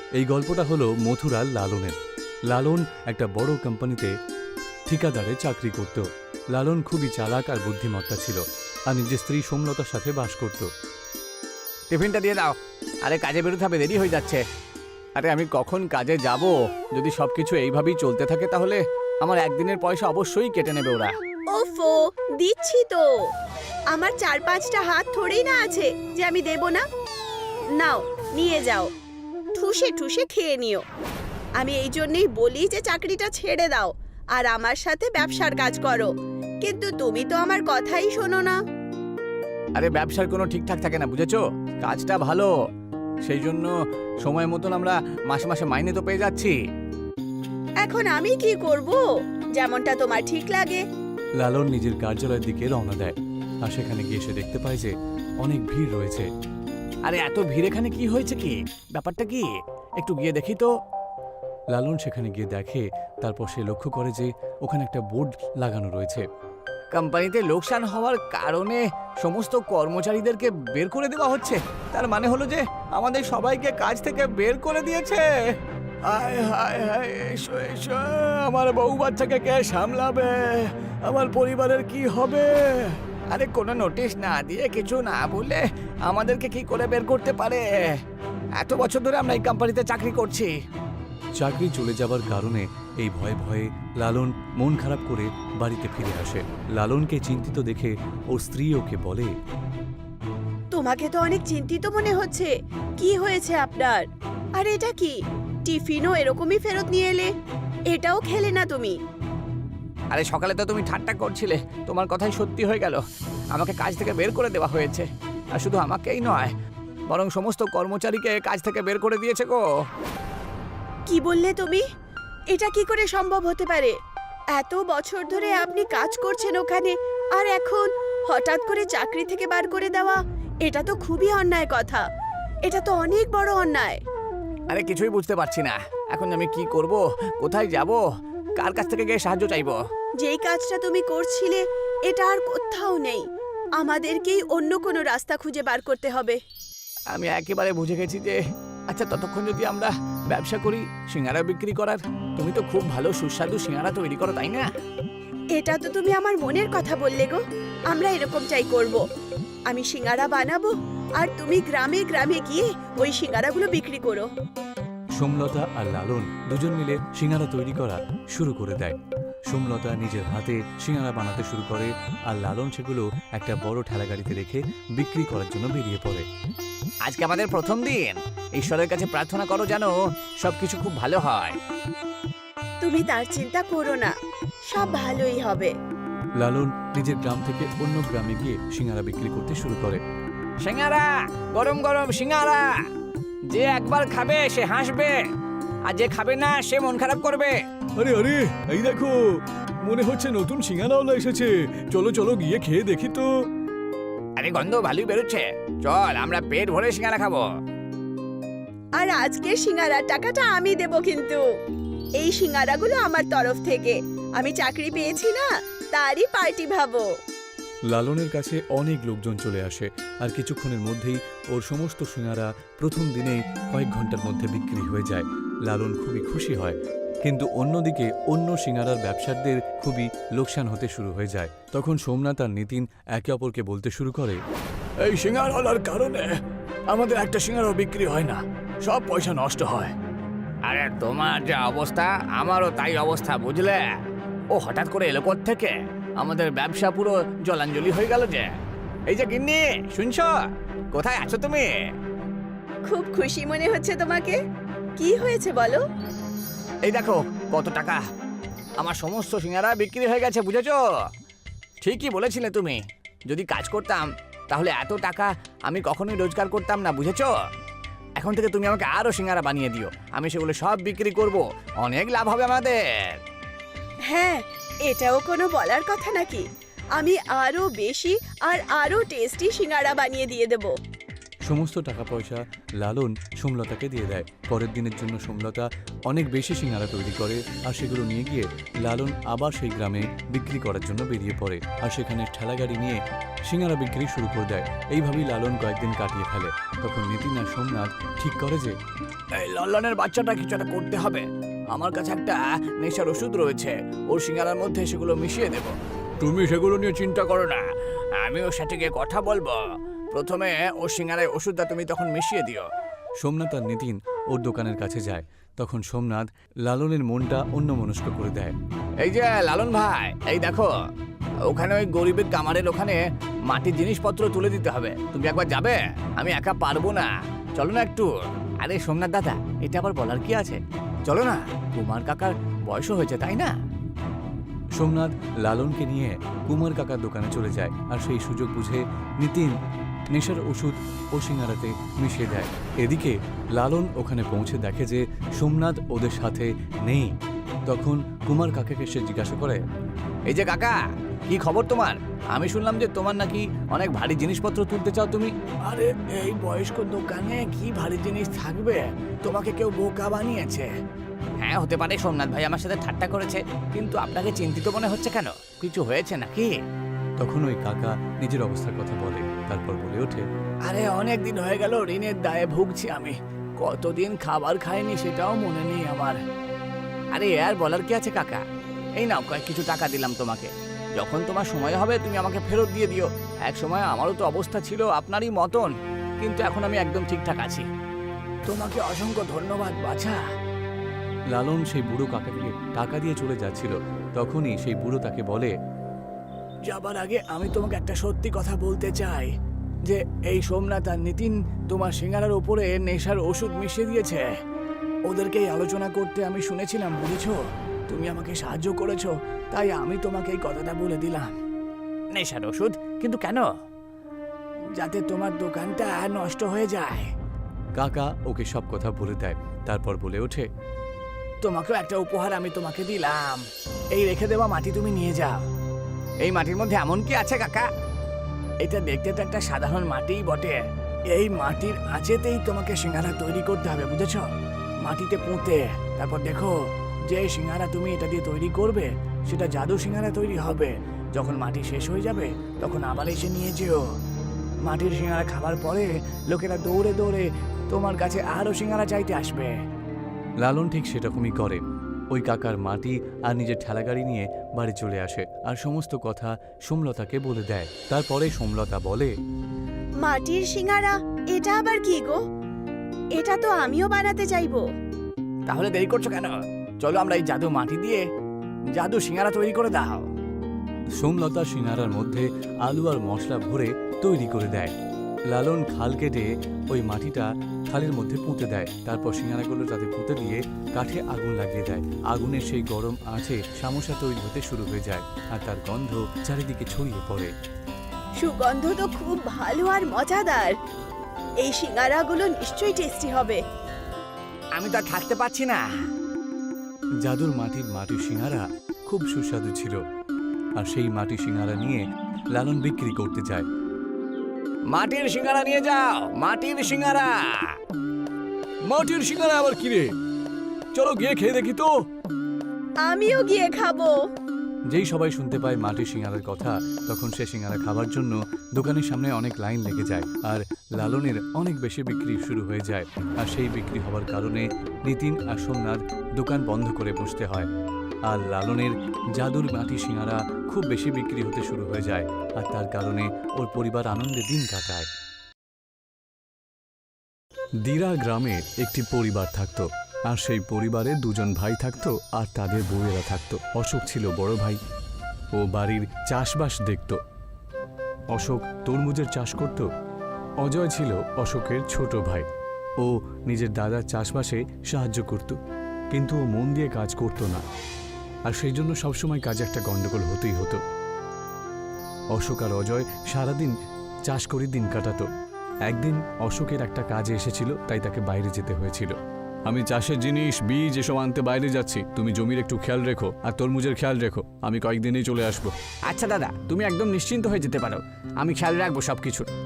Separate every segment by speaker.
Speaker 1: এই গল্পটা হলো মথুরার লালনের। লালন একটা বড় কোম্পানিতে ঠিকাদারে চাকরি করত। লালন খুবই চালাক আর বুদ্ধিমত্তা ছিল, আর নিজের স্ত্রী সোমলতার সাথে বাস করত।
Speaker 2: টিফিনটা দিয়ে দাও। আরে কাজে বেরোতে হবে, দেরি হয়ে যাচ্ছে। আরে আমি কখন কাজে যাব? যদি সবকিছু এইভাবেই চলতে থাকে তাহলে আমার একদিনের পয়সা অবশ্যই কেটে নেবে ওরা।
Speaker 3: ওফো, দিচ্ছি তো। আমার 4-5টা হাত থোড়েই না আছে যে আমি দেব না। নাও, নিয়ে যাও, ঠুসে ঠুসে খেয়ে নিও। আমি এই জন্যই বলি যে চাকরিটা ছেড়ে দাও আর আমার সাথে ব্যবসার কাজ করো, কিন্তু তুমি তো আমার কথাই শোনো না।
Speaker 2: আরে ব্যবসার কোনো ঠিকঠাক থাকে না, বুঝেছো? কাজটা ভালো, সেই জন্য সময় মতন আমরা মাসে মাসে মাইনে তো পেয়ে যাচ্ছি।
Speaker 3: এখন আমি কি করব? যেমনটা তোমার ঠিক লাগে।
Speaker 1: লালন নিজের কার্যালয়ের দিকে রওনা দেয়, আর সেখানে গিয়ে সে দেখতে পায় যে অনেক ভিড় রয়েছে।
Speaker 2: আরে এত ভিড় এখানে কি হয়েছে, কি ব্যাপারটা কি? একটু গিয়ে দেখি তো।
Speaker 1: লালন সেখানে গিয়ে দেখে, তারপর সে লক্ষ্য করে যে ওখানে একটা বোর্ড লাগানো রয়েছে।
Speaker 2: কোম্পানিতে লোকসান হওয়ার কারণে সমস্ত কর্মচারীদেরকে বের করে দেওয়া হচ্ছে। তার মানে হলো যে আমাদের সবাইকে কাজ থেকে বের করে দিয়েছে। হায় হায় হায়, এসো এসো, আমার বউ বাচ্চাকে কে সামলাবে? আমার পরিবারের কি হবে? আরে কোনো নোটিশ না দিয়ে, কিছু না বলে আমাদেরকে কি করে বের করতে পারে? এত বছর ধরে আমরা এই কোম্পানিতে চাকরি করছি।
Speaker 1: চাকরি চলে যাবার কারণে এই ভয়ে ভয়ে লালন মন খারাপ করে বাড়িতে ফিরে আসে। লালনকে চিন্তিত দেখে ওর স্ত্রী ওকে বলে,
Speaker 3: তোমাকে তো অনেক চিন্তিত মনে হচ্ছে। কি হয়েছে আপনার? আর এটা কি? টিফিনও এরকমই ফেরত নিয়ে এলে, এটাও খেলে না তুমি?
Speaker 2: আরে সকালে তো তুমি ঠাট্টা করছিলে, তোমার কথাই সত্যি হয়ে গেল। আমাকে কাজ থেকে বের করে দেওয়া হয়েছে, আর শুধু আমাকেই নয়, বরং সমস্ত কর্মচারীকে কাজ থেকে বের করে দিয়েছে গো।
Speaker 3: কি বললে তুমি? এটা কি করে সম্ভব হতে পারে? এত বছর ধরে আপনি কাজ করছেন ওখানে, আর এখন হঠাৎ করে চাকরি থেকে বার করে দেওয়া, এটা তো খুবই অন্যায় কথা। এটা তো অনেক বড় অন্যায়।
Speaker 2: আরে কিছুই বুঝতে পারছি না, এখন আমি কি করব, কোথায় যাব, কার কাছ থেকে গিয়ে সাহায্য চাইবো?
Speaker 3: যেই কাজটা তুমি করছিলে এটা আর কোথাও নেই। আমাদেরকেই অন্য কোনো রাস্তা খুঁজে বার করতে হবে।
Speaker 2: আমি একেবারে বুঝে গেছি যে, আচ্ছা ততক্ষণ যদি আমরা ব্যবসা করি সিঙ্গারা বিক্রি করার। তুমি তো খুব ভালো সুস্বাদু সিঙ্গারা তৈরি করো, তাই না?
Speaker 3: এটা তো তুমি আমার মনের কথা বললে গো। আমরা এরকমটাই করব। আমি সিঙ্গারা বানাবো আর তুমি গ্রামে গ্রামে গিয়ে ওই সিঙ্গারাগুলো বিক্রি করো।
Speaker 1: সোমলতা আর লালন দুজন মিলে সিঙ্গারা তৈরি করা শুরু করে দেয়। সোমলতা নিজের হাতে সিঙ্গারা বানাতে শুরু করে, আর লালন সেগুলো একটা বড় ঠেলাগাড়িতে রেখে বিক্রি করার জন্য বেরিয়ে পড়ে।
Speaker 2: আজকে আমাদের প্রথম দিন, ঈশ্বরের কাছে প্রার্থনা করো যেন সবকিছু খুব ভালো হয়।
Speaker 3: তুমি তার চিন্তা করো না, সব ভালোই হবে।
Speaker 1: লালন নিজের গ্রাম থেকে অন্য গ্রামে গিয়ে সিঙ্গারা বিক্রি করতে শুরু করে।
Speaker 2: সিঙ্গারা, গরম গরম সিঙ্গারা, যে একবার খাবে সে হাসবে, আর যে খাবে না সে মন খারাপ করবে।
Speaker 4: আরে আরে, এই দেখো, মনে হচ্ছে নতুন সিঙ্গারাওয়ালা এসেছে। চলো চলো গিয়ে খেয়ে দেখি তো।
Speaker 2: আরে গন্ধ ভালোই বেরোচ্ছে, চল আমরা পেট ভরে সিঙ্গারা খাবো।
Speaker 3: আর আজকের সিঙ্গারার টাকাটা আমি দেব কিন্তু। এই সিঙ্গারাগুলো আমার তরফ থেকে। আমি চাকরি পেয়েছি না, তারই পার্টি ভাবো।
Speaker 1: লালনের কাছে অনেক লোকজন চলে আসে, আর কিছুক্ষণের মধ্যেই ওর সমস্ত সিঙ্গারা প্রথম দিনেই কয়েক ঘন্টার মধ্যে বিক্রি হয়ে যায়। লালন খুবই খুশি হয়, কিন্তু অন্যদিকে অন্য সিঙ্গারার ব্যবসায়ীদের খুবই লোকসান হতে শুরু হয়ে যায়। তখন সোমনাথ আর নিতিন একে অপরকে বলতে শুরু করে,
Speaker 4: এই সিঙ্গারাওয়ালার কারণে আমাদের একটা সিঙ্গারাও বিক্রি হয় না, সব পয়সা নষ্ট হয়।
Speaker 2: আরে তোমার যে অবস্থা আমারও তাই অবস্থা, বুঝলে? ও হঠাৎ করে এলো থেকে আমাদের ব্যবসা পুরো জলাঞ্জলি হয়ে গেল যে। এই যে গিন্নি, শুনছো? কোথায় আছো তুমি?
Speaker 3: খুব খুশি মনে হচ্ছে তোমাকে। কি হয়েছে বলো?
Speaker 2: এই দেখো কত টাকা, আমার সমস্ত সিঙ্গারা বিক্রি হয়ে গেছে, বুঝেছো? ঠিকই বলেছিলে তুমি, যদি কাজ করতাম তাহলে এত টাকা আমি কখনোই রোজগার করতাম না, বুঝেছো? এখন থেকে তুমি আমাকে আরো সিঙ্গারা বানিয়ে দিও, আমি সেগুলো সব বিক্রি করব, অনেক লাভ হবে আমাদের।
Speaker 3: হ্যাঁ, এটাও কোনো বলার কথা নাকি? আমি আরো বেশি আর আরো টেস্টি সিঙ্গারা বানিয়ে দিয়ে দেব।
Speaker 1: সমস্ত টাকা পয়সা লালন সোমলতাকে দিয়ে দেয়। পরের দিনের জন্য সোমলতা অনেক বেশি সিঙ্গারা তৈরি করে আর সেগুলো নিয়ে গিয়ে লালন আবার সেই গ্রামে বিক্রি করার জন্য বেরিয়ে পড়ে আর সেখানে ঠেলাগাড়ি নিয়ে সিঙ্গারা বিক্রি শুরু করে দেয়। এইভাবেই লালন কয়েকদিন কাটিয়ে ফেলে। তখন নিতিন আর সোমনাথ ঠিক করে যে
Speaker 2: এই লল্লনের বাচ্চাটা কিছু একটা করতে হবে। আমার কাছে একটা নেশার ওষুধ রয়েছে, ওর সিঙ্গারার মধ্যে সেগুলো মিশিয়ে দেব। তুমি সেগুলো নিয়ে চিন্তা করো না, আমি ওর সাথে গিয়ে কথা বলবো। প্রথমে ওর সিঙ্গারায় ওষুধটা তুমি তখন মিশিয়ে দিও।
Speaker 1: সোমনাথ আর নিতিন ওর দোকানের কাছে যায়। তখন সোমনাথ লালনের মনটা অন্যমনস্ক করে দেয়।
Speaker 2: এই যে লালন ভাই, এই দেখো ওখানে ওই গরিবের কামারের ওখানে মাটির জিনিসপত্র তুলে দিতে হবে, তুমি একবার যাবে? আমি একা পারবো না, চলো না একটু। আরে সোমনাথ দাদা, এটা আবার বলার কি আছে, চলো না, কুমার কাকার বয়সও হয়েছে তাই না?
Speaker 1: সোমনাথ লালনকে নিয়ে কুমার কাকার দোকানে চলে যায় আর সেই সুযোগ বুঝে নিতিন নেশার ওষুধ ও সিঙ্গারাতে মিশিয়ে দেয়। এদিকে লালন ওখানে পৌঁছে দেখে যে সোমনাথ ওদের সাথে নেই। তখন কুমার কাকাকে সে জিজ্ঞাসা করে,
Speaker 2: এই যে কাকা, কি খবর তোমার? আমি শুনলাম যে তোমার নাকি অনেক ভারী জিনিসপত্র তুলতে চাও তুমি। আরে এই বয়স্ক দোকানে কি ভারী জিনিস থাকবে? তোমাকে কেউ বোকা বানিয়েছে। হ্যাঁ হতে পারে, সোমনাথ ভাই আমার সাথে ঠাট্টা করেছে, কিন্তু আপনাকে চিন্তিত মনে হচ্ছে কেন? কিছু হয়েছে নাকি?
Speaker 1: তখন ওই কাকা নিজের অবস্থার কথা বলে, তারপর বলে ওঠে,
Speaker 2: আরে অনেক দিন হয়ে গেল ঋণের দায়ে ভুগছি আমি, কতদিন খাবার খাইনি সেটাও মনে নেই আমার। আরে আর বলার কি আছে কাকা, এই নাও কয়েক কিছু টাকা দিলাম তোমাকে, যখন তোমার সময় হবে তুমি আমাকে ফেরত দিয়ে দিও। এক সময় আমারও তো অবস্থা ছিল আপনারই মতন, কিন্তু এখন আমি একদম ঠিকঠাক আছি। তোমাকে অসংখ্য ধন্যবাদ বাছা।
Speaker 1: লালন সেই বুড়ো কাকাকে টাকা দিয়ে চলে যাচ্ছিল। তখনই সেই বুড়ো তাকে বলে,
Speaker 2: যাবার আগে আমি তোমাকে একটা সত্যি কথা বলতে চাই, যে এই সোমনাথ আর নিতিন তোমার সিঙ্গারার উপরে নেশার ওষুধ মিশিয়ে দিয়েছে। ওদেরকে এই আলোচনা করতে আমি শুনেছিলাম, বুঝেছো? তুমি আমাকে সাহায্য করেছো, তাই আমি তোমাকে এই কথাটা বলে দিলাম। নেশার ওষুধ? কিন্তু কেন? যাতে তোমার দোকানটা নষ্ট হয়ে যায়।
Speaker 1: কাকা ওকে সব কথা বলে দেয়। তারপর বলে ওঠে,
Speaker 2: তোমাকেও একটা উপহার আমি তোমাকে দিলাম, এই রেখে দেওয়া মাটি তুমি নিয়ে যাও। এই মাটির মধ্যে এমন কি আছে কাকা? এটা দেখতে তো একটা সাধারণ মাটিই বটে, এই মাটির আঁচেতেই তোমাকে সিঙ্গারা তৈরি করতে হবে, বুঝেছো? মাটিতে পুঁতে, তারপর দেখো যে সিঙ্গারা তুমি এটা দিয়ে তৈরি করবে সেটা জাদু সিঙ্গারা তৈরি হবে। যখন মাটি শেষ হয়ে যাবে তখন আবার এসে নিয়ে যেও। মাটির সিঙ্গারা খাবার পরে লোকেরা দৌড়ে দৌড়ে তোমার কাছে আরো সিঙ্গারা চাইতে আসবে।
Speaker 1: লালন ঠিক সেরকমই করে। ওই কাকার মাটি আর নিজের ঠেলাগাড়ি নিয়ে বাড়ি চলে আসে আর সমস্ত কথা সোমলতাকে বলে দেয়। তারপরে সোমলতা বলে,
Speaker 3: মাটির সিঙ্গারা, এটা আবার কি গো? এটা তো আমিও বানাতে চাইবো।
Speaker 2: তাহলে দেরি করছো কেন? চলো আমরা এই জাদু মাটি দিয়ে জাদু সিঙ্গারা তৈরি করে দাও।
Speaker 1: সোমলতা সিঙ্গারার মধ্যে আলু আর মশলা ভরে তৈরি করে দেয়। লালন খাল কেটে ওই মাটিটা খালের মধ্যে পুঁতে দেয়। তারপর সিঙ্গারাগুলো তাতে পুঁতে দিয়ে কাঠে আগুন লাগিয়ে দেয়। আগুনের সেই গরম আঁচে সামোসা তৈরি হতে শুরু হয়ে যায় আর তার গন্ধ চারিদিকে ছড়িয়ে পড়ে।
Speaker 3: সুগন্ধ তো খুব ভালো আর মজাদার। এই সিঙ্গারাগুলো নিশ্চয়ই টেস্টি হবে।
Speaker 2: আমি তো আর থাকতে পারছি না।
Speaker 1: জাদুর মাটির সিঙ্গারা খুব সুস্বাদু ছিল আর সেই মাটির সিঙ্গারা নিয়ে লালন বিক্রি করতে যায়।
Speaker 2: মাটির সিঙ্গারা নিয়ে যাও, মাটির সিঙ্গারা।
Speaker 4: মাটির সিঙ্গারা আবার কি রে? চলো গিয়ে খেয়ে দেখি তো।
Speaker 3: আমিও গিয়ে খাবো।
Speaker 1: যেই সবাই শুনতে পায় মাটির সিঙ্গারার কথা, তখন সে সিঙ্গারা খাবার জন্য দোকানের সামনে অনেক লাইন লেগে যায় আর লালনের অনেক বেশি বিক্রি শুরু হয়ে যায়। আর সেই বিক্রি হওয়ার কারণে নিতিন আর সোমনাথ দোকান বন্ধ করে বসতে হয় আর লালনের জাদুর মাটির সিঙ্গারা খুব বেশি বিক্রি হতে শুরু হয়ে যায় আর তার কারণে ওর পরিবার আনন্দে দিন কাটায়। দিরা গ্রামে একটি পরিবার থাকতো আর সেই পরিবারে দুজন ভাই থাকতো আর তাদের বউয়েরা থাকতো। অশোক ছিল বড় ভাই, ও বাড়ির চাষবাস দেখত। অশোক তরমুজের চাষ করত। অজয় ছিল অশোকের ছোট ভাই, ও নিজের দাদার চাষবাসে সাহায্য করত, কিন্তু ও মন দিয়ে কাজ করত না আর সেই জন্য সবসময় কাজে একটা গন্ডগোল হতেই হতো। অশোক আর অজয় সারাদিন চাষ করে দিন কাটাতো। একদিন অশোকের একটা কাজে এসেছিল, তাই তাকে বাইরে যেতে হয়েছিল। আমি চাষের জিনিস, বীজ এসব আনতে বাইরে যাচ্ছি, তুমি জমির একটু খেয়াল রেখো আর তরমুজের খেয়াল রেখো, আমি কয়েকদিনেই চলে আসবো।
Speaker 2: আচ্ছা দাদা, তুমি একদম নিশ্চিন্ত হয়ে যেতে পারো, আমি খেয়াল রাখবো সবকিছু।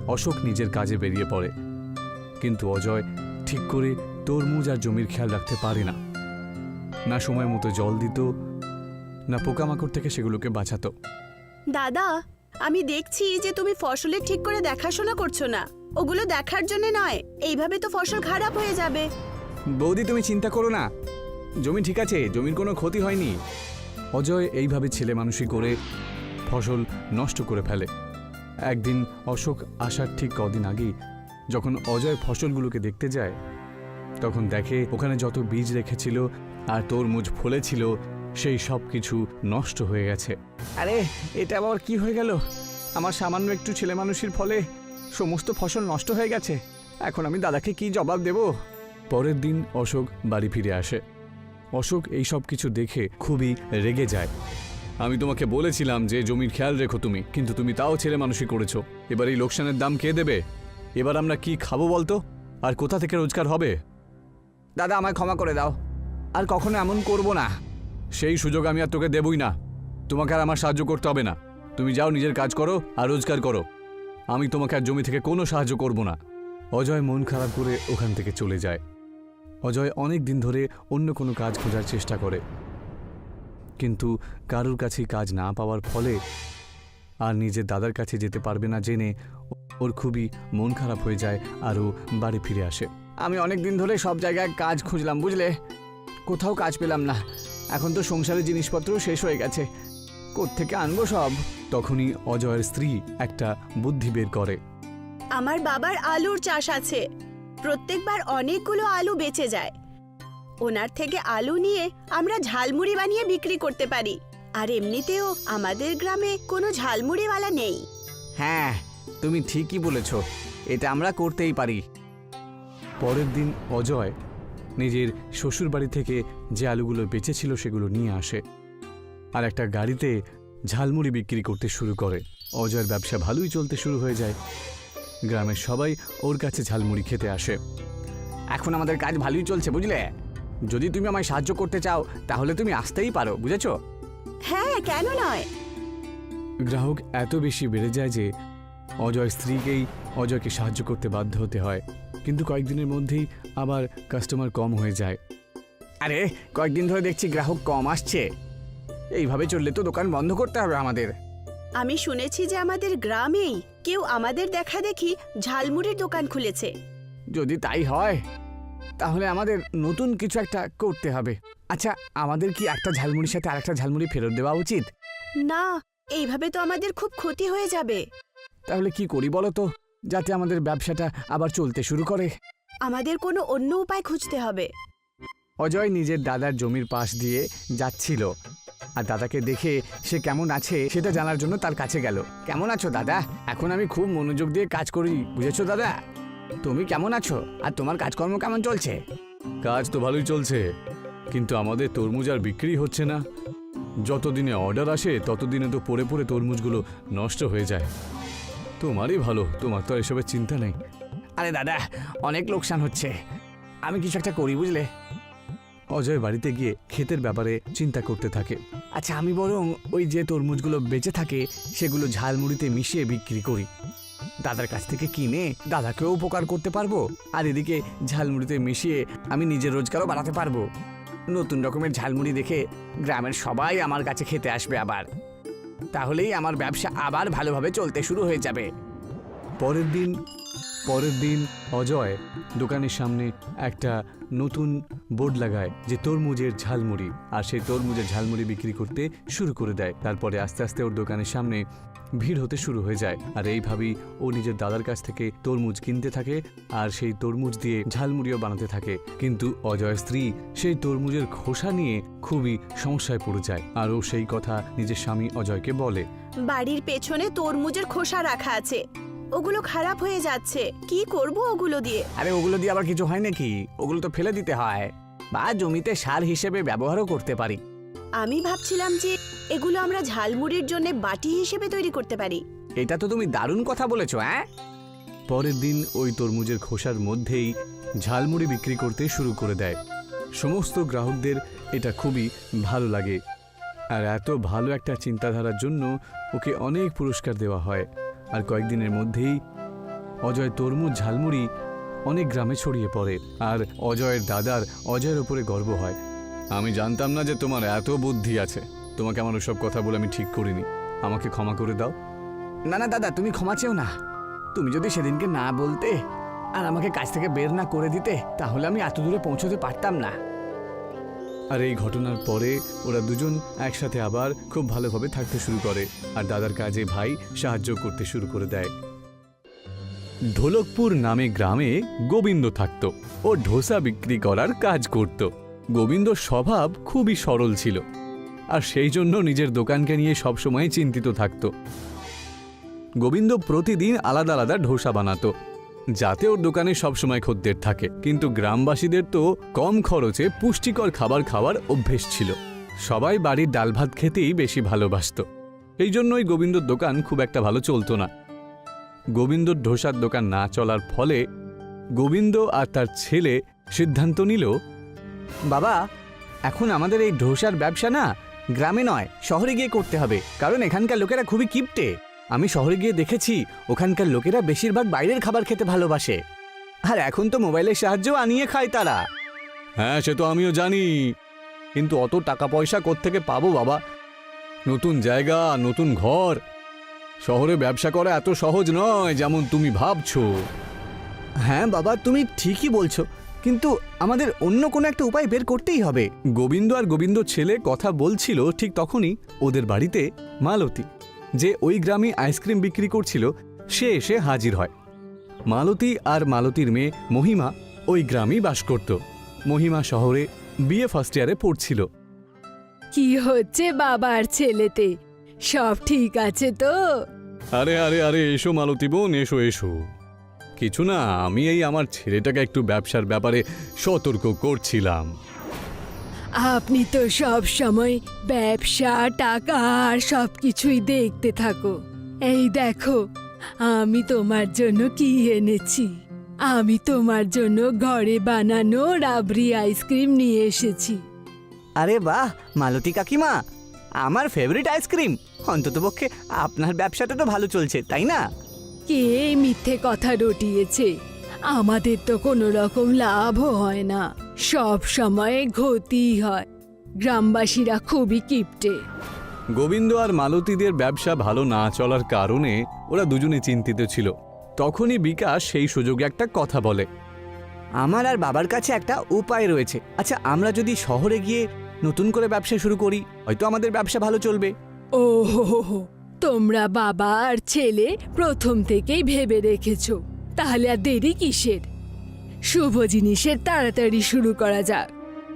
Speaker 1: অশোক নিজের কাজে বেরিয়ে পড়ে। কিন্তু অজয় ঠিক করে তরমুজ আর জমির খেয়াল রাখতে পারে না, না সময় মতো জল দিত, না পোকামাকড় থেকে সেগুলোকে বাঁচাতো।
Speaker 3: দাদা, আমি দেখছি যে তুমি ফসলের ঠিক করে দেখাশোনা করছো না। ওগুলো দেখার জন্য নয়, এইভাবে তো ফসল খারাপ হয়ে যাবে।
Speaker 2: বৌদি তুমি চিন্তা করো না, জমি ঠিক আছে, জমির কোনো ক্ষতি হয়নি।
Speaker 1: অজয় এইভাবে ছেলে মানুষই করে ফসল নষ্ট করে ফেলে। একদিন অশোক আসার ঠিক কদিন আগেই যখন অজয় ফসলগুলোকে দেখতে যায়, তখন দেখে ওখানে যত বীজ রেখেছিল আর তরমুজ ফলেছিল সেই সব কিছু নষ্ট হয়ে গেছে।
Speaker 2: আরে এটা আবার কি হয়ে গেল? আমার সামান্য একটু ছেলে মানুষের ফলে সমস্ত ফসল নষ্ট হয়ে গেছে। এখন আমি দাদাকে কি জবাব দেব?
Speaker 1: পরের দিন অশোক বাড়ি ফিরে আসে। অশোক এই সব কিছু দেখে খুবই রেগে যায়। আমি তোমাকে বলেছিলাম যে জমির খেয়াল রেখো তুমি, কিন্তু তুমি তাও ছেলে মানুষই করেছো। এবার এই লোকসানের দাম কে দেবে? এবার আমরা কি খাবো বলতো? আর কোথা থেকে রোজগার হবে?
Speaker 2: দাদা আমায় ক্ষমা করে দাও, আর কখনো এমন করব না।
Speaker 1: সেই সুযোগ আমি আর তোকে দেবই না। তোমাকে আর আমার সাহায্য করতে হবে না। তুমি যাও, নিজের কাজ করো আর রোজগার করো। আমি তোমাকে আর জমি থেকে কোনো সাহায্য করব না। অজয় মন খারাপ করে ওখান থেকে চলে যায়। অজয় অনেক দিন ধরে অন্য কোনো কাজ খোঁজার চেষ্টা করে, কিন্তু কারোর কাছেই কাজ না পাওয়ার ফলে আর নিজের দাদার কাছে যেতে পারবে না জেনে ওর খুবই মন খারাপ হয়ে যায় আর ও বাড়ি ফিরে আসে।
Speaker 2: আমি অনেক দিন ধরে সব জায়গায় কাজ খুঁজলাম, বুঝলে, কোথাও কাজ পেলাম না। এখন তো সংসারের জিনিসপত্র শেষ হয়ে গেছে, কোত্থেকে আনবো সব?
Speaker 1: তখনই অজয়ের স্ত্রী একটা বুদ্ধি বের করে।
Speaker 3: আমার বাবার আলুর চাষ আছে, প্রত্যেকবার অনেকগুলো আলু বেঁচে যায়। ওনার থেকে আলু নিয়ে আমরা ঝালমুড়ি বানিয়ে বিক্রি করতে পারি। আর এমনিতেও আমাদের গ্রামে কোনো ঝালমুড়িওয়ালা নেই।
Speaker 2: হ্যাঁ, তুমি ঠিকই বলেছ, এটা আমরা করতেই পারি।
Speaker 1: পরের দিন অজয় নিজের শ্বশুর বাড়ি থেকে যে আলুগুলো বেঁচেছিল সেগুলো নিয়ে আসে আর একটা গাড়িতে ঝালমুড়ি বিক্রি করতে শুরু করে। অজয়ের ব্যবসা ভালোই চলতে শুরু হয়ে যায়। গ্রামের সবাই ওর কাছে ঝালমুড়ি খেতে আসে।
Speaker 2: এখন আমাদের কাজ ভালোই চলছে, বুঝলে। যদি তুমি আমায় সাহায্য করতে চাও তাহলে তুমি আসতেই পারো, বুঝেছো?
Speaker 3: হ্যাঁ, কেন নয়।
Speaker 1: গ্রাহক এত বেশি বেড়ে যায় যে অজয় স্ত্রীকেই অজয়কে সাহায্য করতে বাধ্য হতে হয়। কিন্তু কয়েকদিনের মধ্যেই আবার কাস্টমার কম হয়ে যায়।
Speaker 2: আরে কয়েকদিন ধরে দেখছি গ্রাহক কম আসছে। এইভাবে চললে তো দোকান বন্ধ করতে হবে আমাদের।
Speaker 3: আমি শুনেছি যে আমাদের গ্রামেই কেউ আমাদের দেখা দেখি ঝালমুড়ির দোকান খুলেছে।
Speaker 2: যদি তাই হয় তাহলে আমাদের নতুন কিছু একটা করতে হবে। আচ্ছা, আমাদের কি একটা ঝালমুড়ির সাথে আরেকটা ঝালমুড়ি ফেরত দেওয়া উচিত?
Speaker 3: না, এইভাবে তো আমাদের খুব ক্ষতি হয়ে যাবে।
Speaker 2: তাহলে কি করি বলো তো, যাতে আমাদের ব্যবসাটা আবার চলতে শুরু করে?
Speaker 3: আমাদের কোনো অন্য উপায় খুঁজতে হবে।
Speaker 2: অজয় নিজের দাদার জমির পাশ দিয়ে যাচ্ছিল আর দাদাকে দেখে সে কেমন আছে সেটা জানার জন্য তার কাছে গেল। কেমন আছো দাদা? এখন আমি খুব মনোযোগ দিয়ে কাজ করি, বুঝেছো দাদা? তুমি কেমন আছো আর তোমার কাজকর্ম কেমন চলছে?
Speaker 1: কাজ তো ভালোই চলছে, কিন্তু আমাদের তরমুজ আর বিক্রি হচ্ছে না। যতদিনে অর্ডার আসে ততদিনে তো পড়ে পড়ে তরমুজগুলো নষ্ট হয়ে যায়। তোমারই ভালো, তোমার তো আর এসবের চিন্তা নেই।
Speaker 2: আরে দাদা, অনেক লোকসান হচ্ছে, আমি কিছু একটা করি, বুঝলে।
Speaker 1: অজয় বাড়িতে গিয়ে ক্ষেতের ব্যাপারে চিন্তা করতে থাকে।
Speaker 2: আচ্ছা, আমি বরং ওই যে তরমুজগুলো বেঁচে থাকে সেগুলো ঝালমুড়িতে মিশিয়ে বিক্রি করি। দাদার কাছ থেকে কিনে দাদাকেও উপকার করতে পারবো, আর এদিকে ঝালমুড়িতে মিশিয়ে আমি নিজের রোজগারও বাড়াতে পারবো। নতুন রকমের ঝালমুড়ি দেখে গ্রামের সবাই আমার কাছে খেতে আসবে আবার। তাহলেই আমার ব্যবসা আবার ভালোভাবে চলতে শুরু হয়ে যাবে।
Speaker 1: পরের দিন অজয় দোকানের সামনে একটা নতুন বোর্ড লাগায় যে তরমুজের ঝালমুড়ি, আর সেই তরমুজের ঝালমুড়ি বিক্রি করতে শুরু করে দেয়। তারপরে আস্তে আস্তে ওর দোকানের সামনে ভিড় হতে শুরু হয়ে যায়। আর এইভাবেই ও নিজের দাদার কাছ থেকে তরমুজ কিনতে থাকে আর সেই তরমুজ দিয়ে ঝালমুড়িও বানাতে থাকে। কিন্তু অজয়ের স্ত্রী সেই তরমুজের খোসা নিয়ে খুবই সমস্যায় পড়ে যায়, আর ও সেই কথা নিজের স্বামী অজয়কে বলে।
Speaker 3: বাড়ির পেছনে তরমুজের খোসা রাখা আছে, ওগুলো খারাপ হয়ে যাচ্ছে, কি করব ওগুলো দিয়ে?
Speaker 2: আরে ওগুলো দিয়ে আবার কিছু হয় নাকি? ওগুলো তো ফেলে দিতে হয়, বা জমিতে সার হিসেবে ব্যবহারও করতে পারি।
Speaker 3: আমি ভাবছিলাম যে এগুলো আমরা ঝালমুড়ির জন্য বাটি হিসেবে তৈরি করতে পারি।
Speaker 2: এটা তো তুমি দারুণ কথা বলেছো। হ্যাঁ,
Speaker 1: পরের দিন ওই তরমুজের খোসার মধ্যেই ঝালমুড়ি বিক্রি করতে শুরু করে দেয়। সমস্ত গ্রাহকদের এটা খুবই ভালো লাগে, আর এত ভালো একটা চিন্তাধারার জন্য ওকে অনেক পুরস্কার দেওয়া হয়। আর কয়েকদিনের মধ্যেই অজয় তরমুজ ঝালমুড়ি অনেক গ্রামে ছড়িয়ে পড়ে, আর অজয়ের দাদার অজয়ের উপরে গর্ব হয়। আমি জানতাম না যে তোমার এত বুদ্ধি আছে। তোমাকে আমার ওসব কথা বলে আমি ঠিক করিনি। আমাকে ক্ষমা করে দাও।
Speaker 2: না না দাদা, তুমি ক্ষমা চেও না। তুমি যদি সেদিনকে না বলতে আর আমাকে কাজ থেকে বের না করে দিতে, তাহলে আমি এত দূরে পৌঁছতে পারতাম না।
Speaker 1: আর এই ঘটনার পরে ওরা দুজন একসাথে আবার খুব ভালোভাবে থাকতে শুরু করে, আর দাদার কাজে ভাই সাহায্য করতে শুরু করে দেয়। ঢোলকপুর নামে গ্রামে গোবিন্দ থাকত। ও ডোসা বিক্রি করার কাজ করত। গোবিন্দর স্বভাব খুবই সরল ছিল, আর সেই জন্য নিজের দোকানকে নিয়ে সবসময় চিন্তিত থাকত। গোবিন্দ প্রতিদিন আলাদা আলাদা ডোসা বানাতো, যাতে ওর দোকানে সবসময় খদ্দের থাকে। কিন্তু গ্রামবাসীদের তো কম খরচে পুষ্টিকর খাবার খাওয়ার অভ্যেস ছিল। সবাই বাড়ির ডাল ভাত খেতেই বেশি ভালোবাসত। এই জন্যই গোবিন্দর দোকান খুব একটা ভালো চলতো না। গোবিন্দর ডোসার দোকান না চলার ফলে গোবিন্দ আর তার ছেলে সিদ্ধান্ত নিল,
Speaker 2: বাবা, এখন আমাদের এই ডোসার ব্যবসা না গ্রামে নয়, শহরে গিয়ে করতে হবে। কারণ এখানকার লোকেরা খুবই কিপটে। আমি শহরে গিয়ে দেখেছি, ওখানকার লোকেরা বেশিরভাগ বাইরের খাবার খেতে ভালোবাসে। আর এখন তো মোবাইলের সাহায্যেও আনিয়ে খায় তারা।
Speaker 1: হ্যাঁ, সে তো আমিও জানি, কিন্তু অত টাকা পয়সা কোত্থেকে পাবো বাবা? নতুন জায়গা, নতুন ঘর, শহরে ব্যবসা করা এত সহজ নয় যেমন তুমি ভাবছো।
Speaker 2: হ্যাঁ বাবা, তুমি ঠিকই বলছো, কিন্তু আমাদের অন্য কোনো একটা উপায় বের করতেই হবে।
Speaker 1: গোবিন্দ আর গোবিন্দর ছেলে কথা বলছিল, ঠিক তখনই ওদের বাড়িতে মালতী, যে ওই গ্রামে আইসক্রিম বিক্রি করছিল, সে এসে হাজির হয়। মালতী আর মালতীর মেয়ে মহিমা ওই গ্রামেই বাস করত। মহিমা শহরে বিএ ফার্স্ট ইয়ারে পড়ছিল।
Speaker 5: কি হচ্ছে বাবার ছেলেতে? সব ঠিক আছে তো?
Speaker 1: আরে আরে আরে, এসো মালতী বোন, এসো এসো। কিছু না, আমি এই আমার ছেলেটাকে একটু ব্যবসার ব্যাপারে সতর্ক করছিলাম।
Speaker 5: আপনি তো সব সময় ব্যবসা, টাকা আর সব কিছুই দেখতে থাকো। এই দেখো, আমি তোমার জন্য কি এনেছি। আমি তোমার জন্য ঘরে বানানো রাবড়ি আইসক্রিম নিয়ে এসেছি।
Speaker 2: আরে বাহ মালতী কাকিমা, আমার ফেভারিট আইসক্রিম। অন্ততপক্ষে আপনার ব্যবসাটা তো ভালো চলছে, তাই না?
Speaker 5: কে এই মিথ্যে কথা রটিয়েছে? আমাদের তো কোনো রকম লাভও হয় না, সব সময় ক্ষতিই হয়। গ্রামবাসীরা খুবই কিপটে।
Speaker 1: গোবিন্দ আর মালতীদের ব্যবসা ভালো না চলার কারণে ওরা দুজনে চিন্তিত ছিল। তখনই বিকাশ সেই সুযোগে একটা কথা বলে,
Speaker 2: আমার আর বাবার কাছে একটা উপায় রয়েছে। আচ্ছা, আমরা যদি শহরে গিয়ে নতুন করে ব্যবসা শুরু করি, হয়তো আমাদের ব্যবসা ভালো চলবে।
Speaker 5: ও হো, তোমরা বাবা আর ছেলে প্রথম থেকেই ভেবে রেখেছো, তাহলে আর দেরি কিসের? শুভ জিনিসের তাড়াতাড়ি শুরু করা যাক।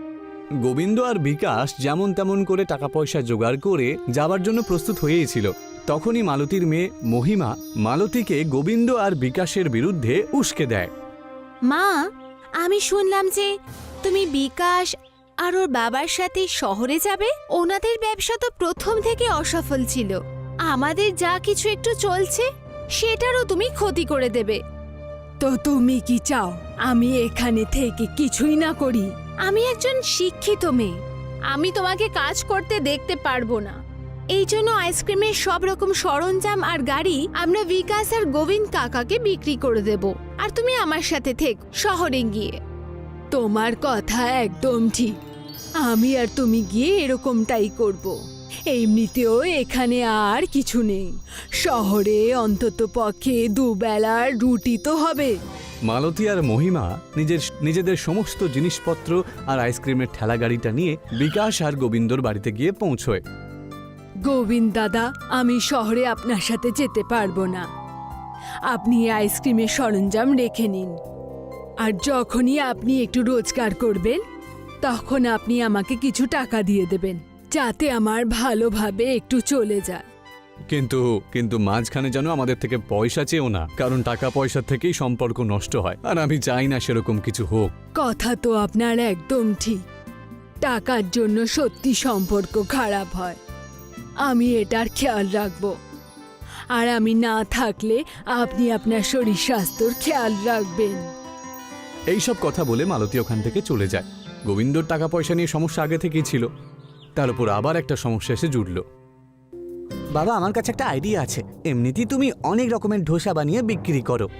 Speaker 1: গোবিন্দ আর বিকাশ যেমন তেমন করে টাকা পয়সা জোগাড় করে যাবার জন্য প্রস্তুত হয়েছিল। তখনই মালতীর মেয়ে মহিমা মালতীকে গোবিন্দ আর বিকাশের বিরুদ্ধে উস্কে দেয়।
Speaker 6: মা, আমি শুনলাম যে তুমি বিকাশ আর ওর বাবার সাথে শহরে যাবে। ওনাদের ব্যবসা তো প্রথম থেকে অসফল ছিল। আমাদের যা কিছু একটু চলছে সেটারও তুমি ক্ষতি করে দেবে।
Speaker 5: তো তুমি কি চাও আমি এখানে থেকে কিছুই না করি?
Speaker 6: আমি একজন শিক্ষিত মেয়ে, আমি তোমাকে কাজ করতে দেখতে পারবো না। এই জন্য আইসক্রিমের সব রকম সরঞ্জাম আর গাড়ি আমরা বিকাশ আর গোবিন্দ কাকাকে বিক্রি করে দেব, আর তুমি আমার সাথে থেক শহরে গিয়ে।
Speaker 5: তোমার কথা একদম ঠিক। আমি আর তুমি গিয়ে এরকমটাই করব। এমনিতেও এখানে আর কিছু নেই। শহরে অন্তত পক্ষে দুবেলার রুটি তো হবে।
Speaker 1: মালতী আর মহিমা নিজেদের সমস্ত জিনিসপত্র আর আইসক্রিমের ঠেলা গাড়িটা নিয়ে বিকাশ আর গোবিন্দর বাড়িতে গিয়ে পৌঁছয়।
Speaker 5: গোবিন্দ দাদা, আমি শহরে আপনার সাথে যেতে পারবো না। আপনি আইসক্রিমের সরঞ্জাম রেখে নিন, আর যখনই আপনি একটু রোজগার করবেন তখন আপনি আমাকে কিছু টাকা দিয়ে দেবেন, যাতে আমার ভালোভাবে একটু চলে যায়।
Speaker 1: কিন্তু মাঝখানে যেন আমাদের থেকে পয়সা চেয়েও না, কারণ টাকা পয়সা থেকেই সম্পর্ক নষ্ট হয়, আর আমি চাই না সেরকম কিছু হোক।
Speaker 5: কথা তো আপনার একদম ঠিক। টাকার জন্য সত্যি সম্পর্ক খারাপ হয়। আমি এটার খেয়াল রাখব, আর আমি না থাকলে আপনি আপনার শরীর স্বাস্থ্যর খেয়াল রাখবেন।
Speaker 1: এইসব কথা বলে মালতী ওখান থেকে চলে যায়। গোবিন্দর টাকা পয়সা নিয়ে সমস্যা আগে থেকেই ছিল, তার উপর আবার একটা সমস্যা এসে জুড়ল।
Speaker 2: বাবা, আমার কাছে একটা আইডিয়া আছে। এমনিতেই তুমি অনেক রকমের ডোসা বানিয়ে বিক্রি করো।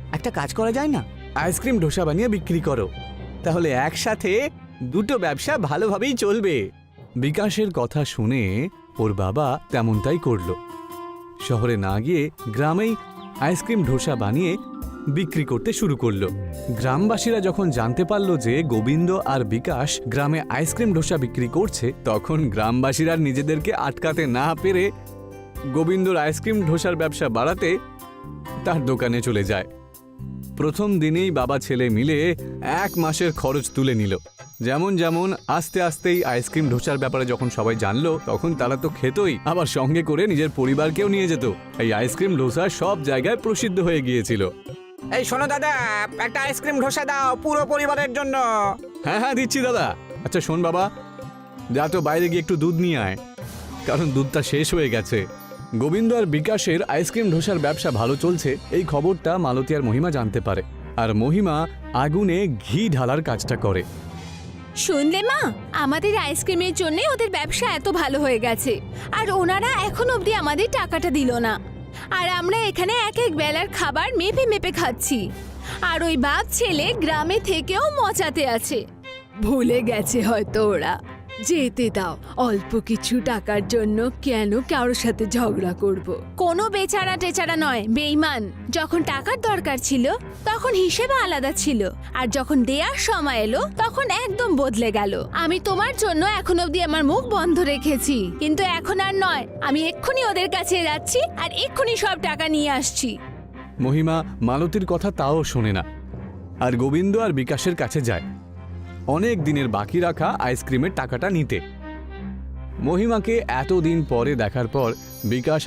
Speaker 2: একটা কাজ করা যায় না?
Speaker 1: আইসক্রিম ডোসা বানিয়ে বিক্রি করো।
Speaker 2: তাহলে একসাথে দুটো ব্যবসা ভালোভাবেই চলবে।
Speaker 1: বিকাশের কথা শুনে ওর বাবা তেমনটাই করল। শহরে না গিয়ে গ্রামেই আইসক্রিম ডোসা বানিয়ে বিক্রি করতে শুরু করলো। গ্রামবাসীরা যখন জানতে পারল যে গোবিন্দ আর বিকাশ গ্রামে আইসক্রিম ডোসা বিক্রি করছে, তখন গ্রামবাসীরা নিজেদেরকে আটকাতে না পেরে গোবিন্দর আইসক্রিম ডোসার ব্যবসা বাড়াতে তার দোকানে চলে যায়। প্রথম দিনেই বাবা ছেলে মিলে 1 মাসের খরচ তুলে নিল। যেমন যেমন আস্তে আস্তেই আইসক্রিম ডোসার ব্যাপারে যখন সবাই জানলো, তখন তারা তো খেতই, আবার সঙ্গে করে নিজের পরিবারকেও নিয়ে যেত। এই আইসক্রিম ডোসা সব জায়গায় প্রসিদ্ধ হয়ে গিয়েছিল।
Speaker 2: এই শোনো দাদা, একটা আইসক্রিম ডোসা দাও পুরো পরিবারের জন্য।
Speaker 1: হ্যাঁ হ্যাঁ দিচ্ছি দাদা। আচ্ছা শোন বাবা, যা তো বাইরে গিয়ে একটু দুধ নিয়ে আয়, কারণ দুধটা শেষ হয়ে গেছে। গোবিন্দ আর বিকাশের আইসক্রিম ডোসার ব্যবসা ভালো চলছে, এই খবরটা মালতী আর মহিমা জানতে পারে। আর মহিমা আগুনে ঘি ঢালার কাজটা করে।
Speaker 6: শুনলে মা, আমাদের আইসক্রিমের জন্য ওদের ব্যবসা এত ভালো হয়ে গেছে, আর ওনারা এখন অবধি আমাদের টাকাটা দিল না। আর আমরা এখানে এক এক বেলার খাবার মেপে মেপে খাচ্ছি, আর ওই বাপ ছেলে গ্রামে থেকেও মচাতে আছে।
Speaker 5: ভুলে গেছে হয়তো ওরা। যেতে দাও, অল্প কিছু টাকার জন্য কেন কারোর সাথে ঝগড়া করব।
Speaker 6: কোনো বেচারা টেচারা নয়, বেঈমান। যখন টাকার দরকার ছিল তখন হিসেবে আলাদা ছিল, আর যখন দেওয়ার সময় এলো তখন একদম বদলে গেল। আমি তোমার জন্য এখন অবধি আমার মুখ বন্ধ রেখেছি, কিন্তু এখন আর নয়। আমি এক্ষুনি ওদের কাছে যাচ্ছি আর এক্ষুনি সব টাকা নিয়ে আসছি।
Speaker 1: মহিমা মালতীর কথা তাও শোনে না, আর গোবিন্দ আর বিকাশের কাছে যায় অনেক দিনের বাকি রাখা আইসক্রিমের টাকাটা নিতে। মহিমাকে এতদিন পরে দেখার পর বিকাশ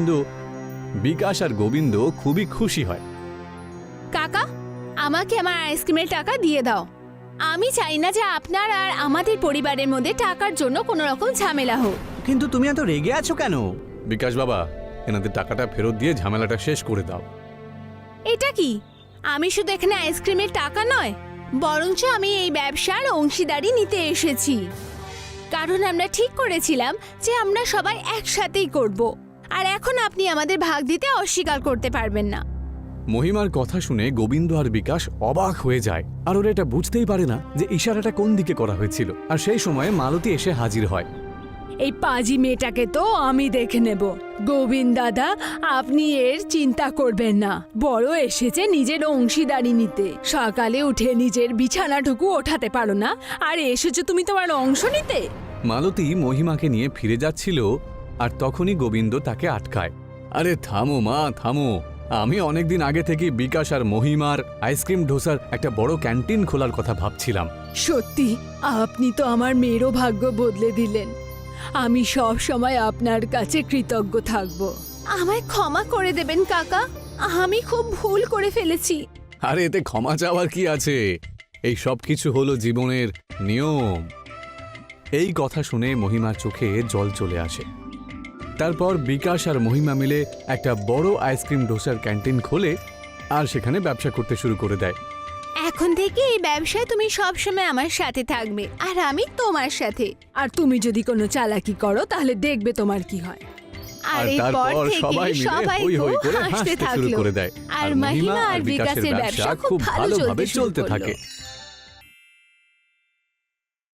Speaker 1: আর গোবিন্দ খুবই খুশি হয়।
Speaker 6: কাকা, আমাকে আমার আইসক্রিমের টাকা দিয়ে দাও। আমি চাই না যে আপনার আর আমাদের পরিবারের মধ্যে টাকার জন্য কোনো রকম ঝামেলা হোক।
Speaker 2: কিন্তু তুমি এত রেগে আছো কেন?
Speaker 1: বিকাশ বাবা, এনাদের টাকাটা ফেরত দিয়ে ঝামেলাটা শেষ করে দাও।
Speaker 6: এটা কি? আমি শুধু এখানে আইসক্রিমের টাকা নয়, বরঞ্চ আমি এই ব্যবসার অংশীদারি নিতে এসেছি। কারণ আমরা ঠিক করেছিলাম যে আমরা সবাই একসাথেই করব, আর এখন আপনি আমাদের ভাগ দিতে অস্বীকার করতে পারবেন না।
Speaker 1: মহিমার কথা শুনে গোবিন্দ আর বিকাশ অবাক হয়ে যায়, আর ওরা এটা বুঝতেই পারে না যে ইশারাটা কোন দিকে করা হয়েছিল। আর সেই সময় মালতী এসে হাজির হয়।
Speaker 5: এই পাজি মেয়েটাকে তো আমি দেখে নেব। গোবিন্দ দাদা, আপনি এর চিন্তা করবেন না। বড় এসেছে নিজের অংশীদারি নিতে। সকালে উঠে নিজের বিছানাটুকু ওঠাতে পারো না, আর এসেছো তুমি তোমার অংশ নিতে।
Speaker 1: মালতী মহিমাকে নিয়ে ফিরে যাচ্ছিল, আর তখনই গোবিন্দ তাকে আটকায়। আরে থামো মা, থামো। আমি অনেকদিন আগে থেকে বিকাশ আর মহিমার আইসক্রিম ডোসার একটা বড় ক্যান্টিন খোলার কথা ভাবছিলাম।
Speaker 5: সত্যি আপনি তো আমার মেয়েরও ভাগ্য বদলে দিলেন। আমি সব সময় আপনার কাছে কৃতজ্ঞ থাকব।
Speaker 6: আমায় ক্ষমা করে দেবেন কাকা, আমি খুব ভুল করে ফেলেছি।
Speaker 1: আরে এতে ক্ষমা চাওয়ার কি আছে? এই সব কিছু হলো জীবনের নিয়ম। এই কথা শুনে মহিমার চোখে জল চলে আসে। তারপর বিকাশ আর মহিমা মিলে একটা বড় আইসক্রিম ডোসার ক্যান্টিন খোলে, আর সেখানে ব্যবসা করতে শুরু করে দেয়।
Speaker 6: এখন থেকে এই ব্যবসায় তুমি সবসময় আমার সাথে থাকবে, আর আমি তোমার সাথে।
Speaker 5: আর তুমি যদি কোনো চালাকি করো তাহলে দেখবে তোমার কি হয়।
Speaker 1: আর
Speaker 6: এরপর
Speaker 1: তারপর
Speaker 6: থেকে
Speaker 1: সবাই মিলে হই হই করে
Speaker 6: হাসতে
Speaker 1: হাসতে শুরু
Speaker 6: থাকলো।
Speaker 1: করে দেয়।
Speaker 6: আর মহিমা আর বিকাশের ব্যবসা খুব ভালোভাবে চলতে থাকে।